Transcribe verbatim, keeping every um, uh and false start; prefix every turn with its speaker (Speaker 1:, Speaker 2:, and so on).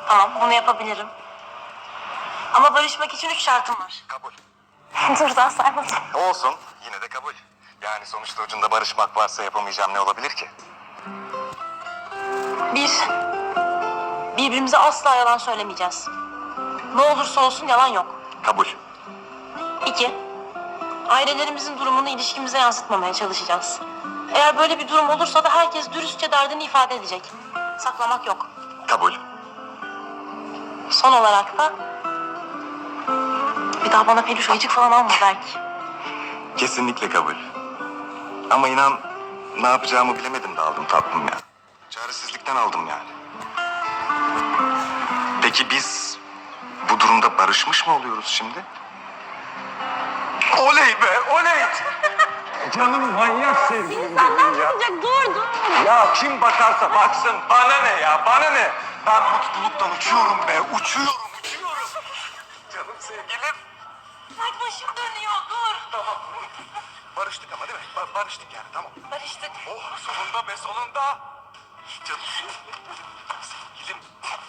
Speaker 1: Tamam, bunu yapabilirim. Ama barışmak için üç şartım var.
Speaker 2: Kabul.
Speaker 1: Dur, daha saymadım.
Speaker 2: Olsun. Yine de kabul. Yani sonuçta ucunda barışmak varsa yapamayacağım ne olabilir ki?
Speaker 1: Bir, birbirimize asla yalan söylemeyeceğiz. Ne olursa olsun yalan yok.
Speaker 2: Kabul.
Speaker 1: İki, ailelerimizin durumunu ilişkimize yansıtmamaya çalışacağız. Eğer böyle bir durum olursa da herkes dürüstçe derdini ifade edecek. Saklamak yok.
Speaker 2: Kabul.
Speaker 1: Son olarak da bir daha bana peluş ayıcık falan alma belki.
Speaker 2: Kesinlikle kabul. Ama inan ne yapacağımı bilemedim de aldım tatlım ya. Çaresizlikten aldım yani. Peki biz bu durumda barışmış mı oluyoruz şimdi? Oley be, oley!
Speaker 3: Canım manyak sevgilim
Speaker 1: İnsanlar
Speaker 3: benim ya.
Speaker 1: bakacak, dur dur.
Speaker 3: Ya kim bakarsa baksın bana ne ya bana ne?
Speaker 2: Ben mutluluktan uçuyorum be, uçuyorum, uçuyorum. Canım sevgilim.
Speaker 1: Ay başım dönüyor, dur.
Speaker 2: Tamam. Barıştık ama değil mi? Ba- barıştık yani, tamam.
Speaker 1: Barıştık.
Speaker 2: Oh, sonunda be, sonunda. Canım sevgilim.